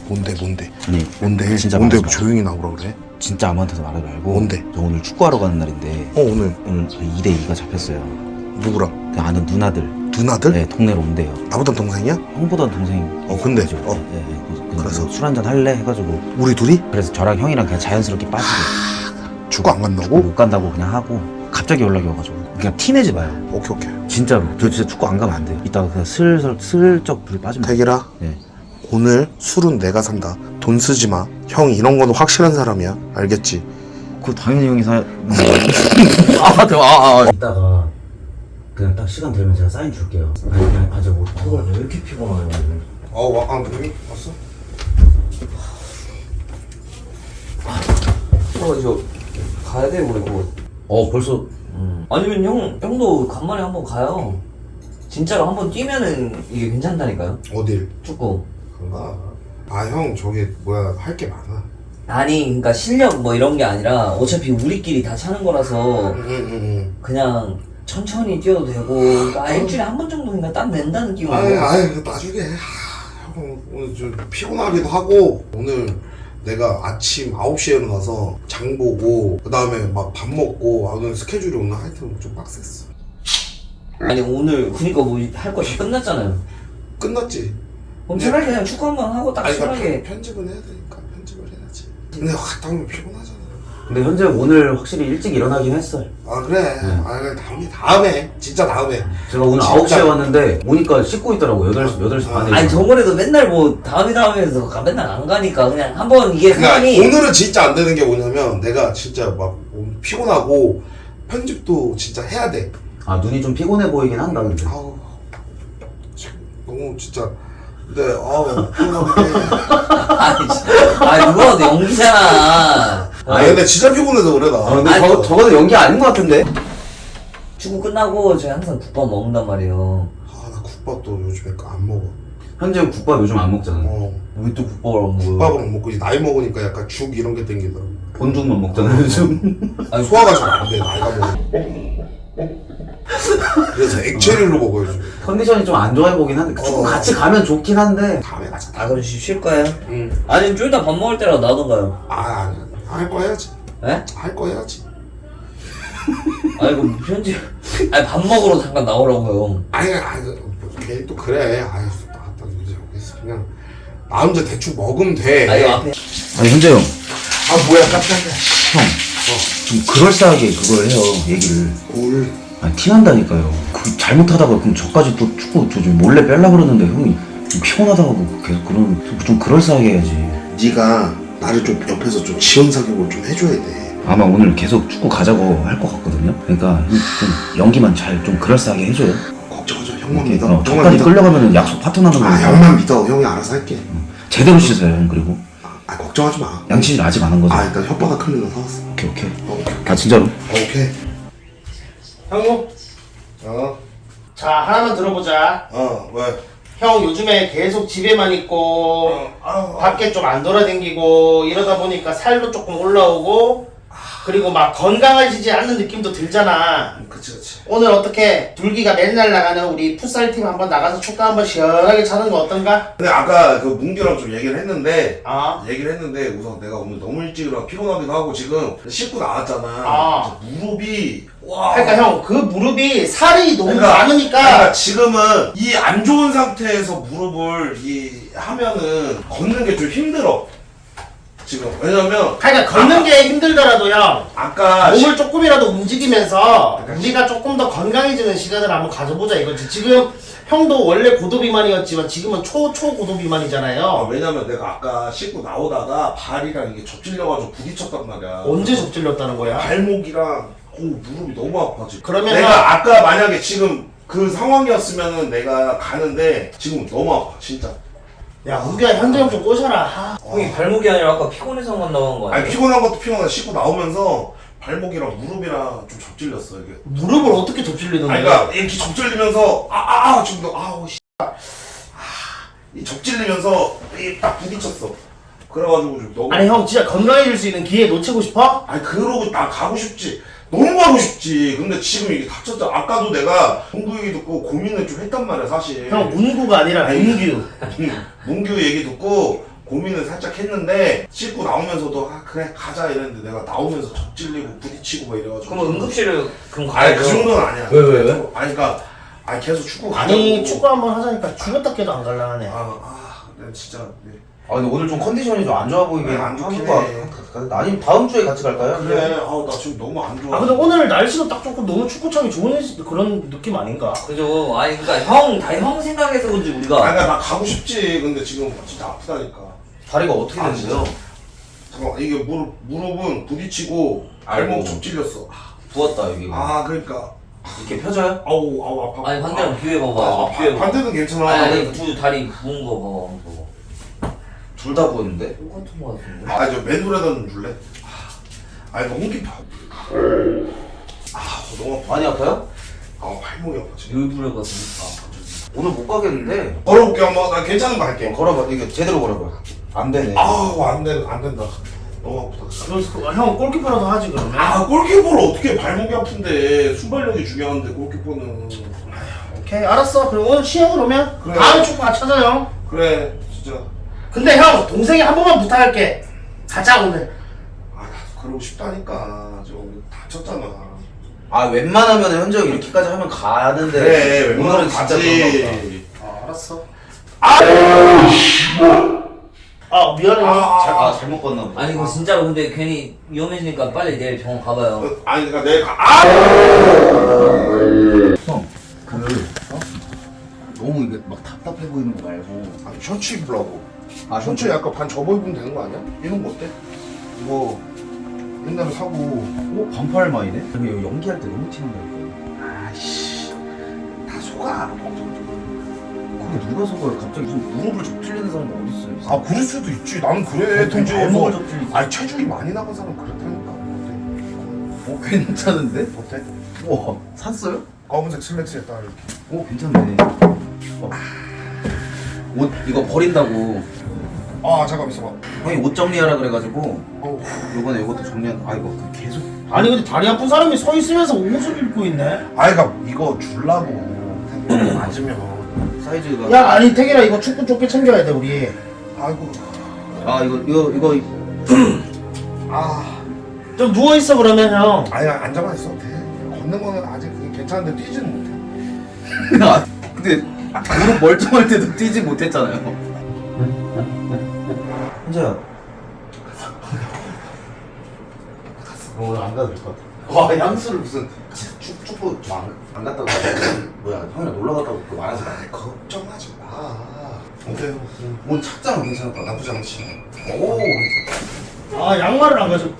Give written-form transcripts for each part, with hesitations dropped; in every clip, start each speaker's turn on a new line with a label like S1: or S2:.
S1: 뭔데?
S2: 아니
S1: 뭔데?
S2: 진짜
S1: 뭔데
S2: 말하지 마.
S1: 조용히 나오라 그래?
S2: 진짜 아무한테도 말하지 말고.
S1: 뭔데?
S2: 저 오늘 축구하러 가는 날인데
S1: 오늘
S2: 저희 2대2가 잡혔어요.
S1: 누구랑?
S2: 그 아는 누나들.
S1: 누나들?
S2: 네, 동네로 온대요.
S1: 나보다 동생이야?
S2: 형보단 동생.
S1: 근데
S2: 그래서 술 한잔 할래 해가지고.
S1: 우리 둘이?
S2: 그래서 저랑 형이랑 그냥 자연스럽게 빠지고.
S1: 축구 안 간다고?
S2: 못 간다고 그냥 하고 갑자기 연락이 와가지고 그냥 티내지 마요.
S1: 오케이.
S2: 진짜로 저 진짜 축구 안 가면 안 돼요. 이따가 그냥 슬쩍 불 빠지면.
S1: 태길아,
S2: 네.
S1: 오늘 술은 내가 산다. 돈 쓰지 마. 형 이런 거는 확실한 사람이야. 알겠지?
S2: 그거 당연히 형이 사. 이따가 그냥 딱 시간 되면 제가 사인 줄게요. 아니 그냥 아저 뭐 왜 이렇게 피곤하냐.
S1: 누구니? 왔어?
S3: 저 가야 돼 우리 곧.
S2: 벌써.
S3: 아니면 형도 간만에 한번 가요. 진짜로 한번 뛰면은 이게 괜찮다니까요.
S1: 어딜?
S3: 축구.
S1: 그런가? 형 저기 할 게 많아.
S3: 아니 그러니까 실력 뭐 이런 게 아니라 어차피 우리끼리 다 차는 거라서
S1: 응.
S3: 그냥 천천히 뛰어도 되고 그러니까 일주일에 한 번 정도 그냥 땀 낸다는 느낌으로.
S1: 그거 나중에. 형 오늘 좀 피곤하기도 하고 오늘 내가 아침 9시에 일어나서 장 보고 그 다음에 막 밥 먹고 오늘 스케줄이 오늘 하여튼 좀 빡셌어.
S3: 아니 오늘 그니까 뭐 할 거 다 끝났잖아요.
S1: 끝났지?
S3: 그럼 차라리 그냥 축구 한 번 하고 딱
S1: 그러니까
S3: 편하게.
S1: 편집은 해야 되니까 편집을 해야지. 근데 갔다 오면 피곤하잖아.
S2: 근데 현재 오늘 확실히 일찍 일어나긴 했어요.
S1: 그래. 그래 다음에 진짜 다음에.
S2: 제가 오늘
S1: 진짜.
S2: 9시에 왔는데 오니까 씻고 있더라고. 8시 반에.
S3: 아니 저번에도 맨날 뭐 다음에 해서 맨날 안 가니까 그냥 한번 이게
S1: 그러니까
S3: 상황이.
S1: 오늘은 진짜 안 되는 게 뭐냐면 내가 진짜 막 피곤하고 편집도 진짜 해야 돼.
S2: 눈이 좀 피곤해 보이긴 한다 근데.
S1: 지금 너무 진짜. 근데 피곤한데.
S3: 아니 누가 봐도 연기잖아.
S1: 근데 진짜 피곤해서 그래 나.
S2: 근데
S3: 아니,
S2: 저거는 연기 아닌 것 같은데?
S3: 축구 끝나고 저희 항상 국밥 먹는단 말이에요.
S1: 나 국밥도 요즘에 안 먹어.
S2: 현재 국밥 요즘 안 먹잖아.
S3: 왜 또 국밥을 안 먹어요?
S1: 국밥을 안 먹고 이제 나이 먹으니까 약간 죽 이런 게 땡기더라고.
S2: 본죽만 먹잖아 요즘.
S1: 아니 소화가 잘 안 돼 나이가 먹으면. 그래서 액체류로 먹어요 요즘.
S2: 컨디션이 좀 안 좋아 보긴 한데 축구 같이 가면 좋긴 한데.
S1: 다음에 가자.
S3: 그럼 쉴 거예요?
S1: 응.
S3: 아니 좀 이따 밥 먹을 때라도 나던가요?
S1: 할 거 해야지.
S3: 에?
S1: 할 거 해야지.
S3: 아니 그럼 편집. 아니 밥 먹으러 잠깐 나오라고요.
S1: 걔 또 그래. 나왔다 이제 그냥 나 혼자 대충 먹으면 돼.
S3: 아니 앞에.
S2: 아니 현재 형.
S1: 뭐야 깜짝이야.
S2: 형. 좀 그럴싸하게 그걸 해요 얘기를.
S1: 뭘?
S2: 티난다니까요. 그 잘못하다가 그럼 저까지 또 축구 좀 몰래 빼려 그러는데 형이 좀 피곤하다고 계속 그러면 좀 그럴싸하게 해야지.
S1: 네가 나를 좀 옆에서 좀 지원 사격을 좀 해줘야 돼.
S2: 아마 오늘 계속 축구 가자고 할 것 같거든요. 그러니까 형 좀 연기만 잘 좀 그럴싸하게 해줘요.
S1: 걱정하지 마. 형만 믿어. 형만
S2: 저까지
S1: 믿어.
S2: 끌려가면 약속 파토나는 거야.
S1: 형만 믿어. 형이 알아서 할게.
S2: 제대로 씻어요 형. 그리고
S1: 걱정하지 마.
S2: 양치질 아직 안 한 거죠?
S1: 일단 혓바닥 클리너 사왔어.
S2: 오케이. 진짜로?
S1: 오케이.
S4: 형우, 자 하나만 들어보자.
S1: 왜?
S4: 형 요즘에 계속 집에만 있고 밖에 좀 안 돌아다니고 이러다 보니까 살도 조금 올라오고 그리고 막 건강해지지 않는 느낌도 들잖아.
S1: 그치.
S4: 오늘 어떻게 둘기가 맨날 나가는 우리 풋살팀 한번 나가서 축구 한번 시원하게 차는 거 어떤가?
S1: 근데 아까 그 문규랑 좀 얘기를 했는데 우선 내가 오늘 너무 일찍 일어나 피곤하기도 하고 지금 씻고 나왔잖아. 무릎이
S4: 그러니까 형 그 무릎이 살이 너무
S1: 그러니까
S4: 많으니까
S1: 지금은 이 안 좋은 상태에서 무릎을 하면은 걷는 게 좀 힘들어. 지금 왜냐면
S4: 그러니까 걷는 게 힘들더라도 형
S1: 아까
S4: 몸을 조금이라도 움직이면서 우리가 조금 더 건강해지는 시간을 한번 가져보자 이거지. 지금 형도 원래 고도비만이었지만 지금은 초고도비만이잖아요.
S1: 왜냐면 내가 아까 씻고 나오다가 발이랑 이게 접질려가지고 부딪혔단 말이야.
S4: 언제 접질렸다는 거야?
S1: 발목이랑 무릎이 너무 아파지.
S4: 그러면
S1: 내가 아까 만약에 지금 그 상황이었으면은 내가 가는데 지금 너무 아파 진짜.
S4: 야 우기야 현재 형 좀 꼬셔라.
S3: 형이 발목이 아니라 아까 피곤해서만 나온 거 아니에요?
S1: 피곤한 것도 피곤한데 씻고 나오면서 발목이랑 무릎이랑 좀 접질렸어 이게.
S4: 무릎을 어떻게 접질리던데?
S1: 그러니까 이렇게 접질리면서 지금 이 접질리면서 딱 부딪혔어. 그래가지고 좀 너무.
S4: 아니 형 진짜 건강해질 수 있는 기회 놓치고 싶어?
S1: 그러고 나 가고 싶지. 너무 가고 싶지. 근데 지금 이게 닥쳤잖아. 아까도 내가 문구 얘기 듣고 고민을 좀 했단 말이야 사실.
S4: 형 문구가 아니라 문규.
S1: 문규 얘기 듣고 고민을 살짝 했는데 씻고 나오면서도 아 그래 가자 이랬는데 내가 나오면서 접질리고 부딪히고 막 이래가지고.
S3: 그럼 응급실을 그럼
S1: 아니
S3: 가야죠.
S1: 그 정도는 아니야.
S2: 왜?
S1: 아니 그러니까 아니 계속 축구
S4: 아니
S1: 가자고.
S4: 축구 한번 하자니까 죽었다 깨도 안 갈라 하네.
S1: 내가 진짜. 네.
S2: 아 근데 오늘 좀 컨디션이 좀 안 좋아 보이긴
S1: 안 좋긴
S2: 하는
S1: 해.
S2: 거 같아. 아니면 다음 주에 같이 갈까요?
S1: 그래. 나 지금 너무 안 좋아.
S4: 아 근데 오늘 날씨도 딱 좋고 너무 축구 차기 좋은 그런 느낌 아닌가?
S3: 그죠. 아니 그러니까 형 생각해서 그런지 우리가.
S1: 아니 나 가고 싶지. 근데 지금 진짜 아프다니까.
S2: 다리가 어떻게
S1: 아,
S2: 되는데요?
S1: 잠깐만 이게 무릎은 부딪히고 발목
S2: 아이고.
S1: 접질렸어.
S2: 부었다 여기가.
S1: 그러니까
S2: 이렇게 펴져요?
S1: 아우 아파.
S3: 아니 반대로 비벼 봐봐. 비벼.
S1: 반대는 괜찮아.
S3: 아니 두 다리 부은 거 봐봐.
S2: 둘 다 부었는데?
S3: 똑같은 거 같은데.
S1: 저 맨홀에다 좀 줄래? 너무 깊어. 너무 아파.
S2: 많이 아파요?
S1: 발목이 아파 지금.
S3: 일부러 같으니까.
S2: 오늘 못 가겠는데?
S1: 걸어볼게 한번. 나 괜찮은 거 할게.
S2: 걸어봐. 이게 제대로 걸어봐. 안 되네.
S1: 안 된다. 너무 아프다.
S4: 그래서 형 골키퍼라도 하지 그러면.
S1: 골키퍼를 어떻게 발목이 아픈데 순발력이 중요한데 골키퍼는.
S4: 오케이 알았어. 그럼 오늘 쉬어 그러면.
S1: 그래.
S4: 다음에 축구 같이 하자 형.
S1: 그래 진짜.
S4: 근데 형 동생이 한 번만 부탁할게. 가자 오늘.
S1: 나도 그러고 싶다니까. 저 오늘 다쳤잖아.
S2: 웬만하면 현재 형 이렇게까지 하면 가는데.
S1: 그래
S2: 오늘은
S1: 웬만하면
S2: 진짜
S1: 가지.
S4: 알았어.
S1: 아,
S4: 미안해.
S2: 그런가 잘못 봤나 보다.
S3: 아니 이거 진짜로 근데 괜히 위험해지니까 빨리 내일 병원 가봐요.
S1: 그러니까 내가
S2: 형, 너무 이게 막 답답해 보이는 거 말고.
S1: 셔츠 입으라고. 셔츠
S2: 셔츠?
S1: 약간 반 접어 입으면 되는 거 아니야? 이런 거 어때? 이거 옛날에 사고.
S2: 반팔 마이네? 근데 이거 연기할 때 너무 티난다니까.
S1: 아이씨 다 속아.
S2: 그거 누가 속아요? 갑자기 무슨 무릎을 접질리는 사람이 어딨어요?
S1: 그럴 수도 있지. 나는 그래.
S2: 보통 발목을 접질리지.
S1: 체중이 많이 나간 사람 그렇다니까.
S2: 괜찮은데?
S1: 어때?
S2: 우와, 샀어요?
S1: 검은색 슬랙스에 딱 이렇게.
S2: 괜찮네. 옷 이거 버린다고
S1: 잠깐 있어봐.
S2: 형이 옷 정리하라 그래가지고
S1: 어우.
S2: 요번에 이것도 정리한. 이거 계속.
S4: 아니 근데 다리 아픈 사람이 서 있으면서 옷을 입고 있네.
S1: 그러니까 이거 줄라고. 맞으면.
S2: 사이즈가.
S4: 야 아니 태길아 이거 축구 조끼 챙겨야 돼 우리.
S1: 아이고.
S2: 이거
S4: 좀 누워 있어 그러면 형.
S1: 앉아만 있어도 돼. 걷는 거는 아직 괜찮은데 뛰지는 못해.
S2: 근데 무릎 멀쩡할 때도 뛰지 못했잖아요. 현재야.
S1: 오늘 안 가도 될 것 같아.
S2: 향수를 무슨 축구 안 갔다고 뭐야 형이랑 놀러 갔다고 그거 말하지 마.
S1: 걱정하지 마. 어때요?
S2: 오늘 착장 괜찮았다.
S1: 나쁘지 않지.
S2: 오.
S4: 양말을 안 가져.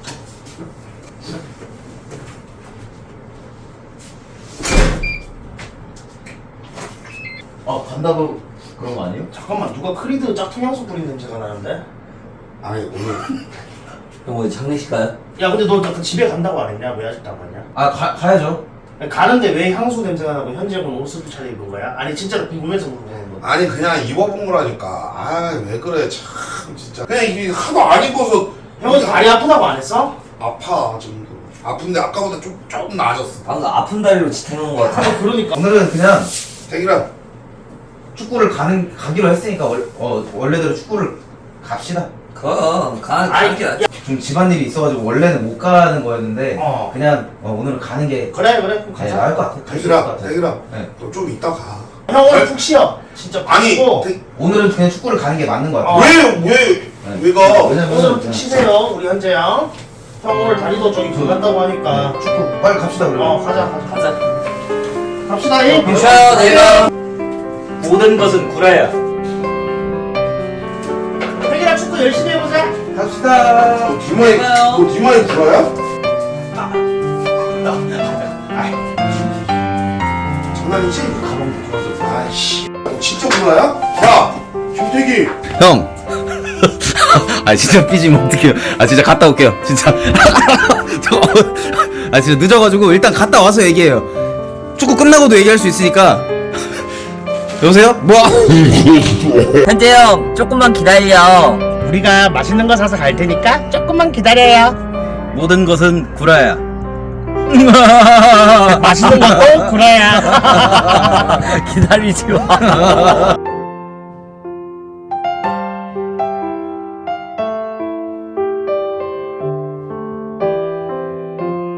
S2: 간다고 그런 거 아니에요?
S4: 잠깐만 누가 크리드 짝퉁 향수 뿌린 냄새가 나는데?
S1: 오늘
S3: 형 오늘 장례식 가요?
S4: 야 근데 너 그 집에 간다고 안 했냐? 왜 아직도 안 갔냐?
S2: 가야죠.
S4: 가는데 왜 향수 냄새가 나고 현지형은 옷을 차려입은 거야? 아니 진짜로 궁금해서 물어보는 거.
S1: 그냥 입어본 거라니까. 왜 그래 참 진짜. 그냥 이게 하도 안 입어서.
S4: 형은 다리 아프다고 안 했어?
S1: 아파 지금. 아픈데 아까보다 조금 나아졌어.
S3: 방금 아픈 다리로 지탱한 거 같아.
S4: 그러니까.
S2: 오늘은 그냥
S1: 태기라.
S2: 축구를 가기로 했으니까 원래대로 축구를 갑시다.
S3: 가는 게
S2: 좀 집안일이 있어가지고 원래는 못 가는 거였는데 그냥 오늘은 가는 게
S4: 그래 그럼 가자.
S2: 나을 것 같아. 갈수 있을 것 같아.
S1: 태기라.
S2: 네.
S1: 너 좀 이따 가.
S4: 형 오늘 푹 쉬어. 진짜 푹
S1: 아니
S4: 쉬고.
S2: 오늘은 그냥 축구를 가는 게 맞는 것 같아.
S1: 왜 가?
S2: 왜냐면
S4: 오늘은 푹 쉬세요 우리 현재 형. 형 오늘 다리도 저기 그 간다고 하니까.
S2: 축구 빨리 갑시다 그러면.
S4: 가자. 갑시다 잉.
S3: 쉬어요 내가. 모든 것은 구라야.
S4: 태기랑 축구 열심히 해보자.
S2: 갑시다.
S1: 너 디마이 불어야? 장난이지? 가방 불어서. 아이씨. 너 진짜 불어야? 야, 김태기.
S2: 형. 진짜 삐지면 어떡해요. 진짜 갔다 올게요. 진짜. 진짜 늦어가지고 일단 갔다 와서 얘기해요. 축구 끝나고도 얘기할 수 있으니까. 여보세요? 뭐?
S3: 현재 형 조금만 기다려.
S4: 우리가 맛있는 거 사서 갈 테니까 조금만 기다려요.
S2: 모든 것은 구라야.
S4: 맛있는 것도 구라야.
S3: 기다리지 마.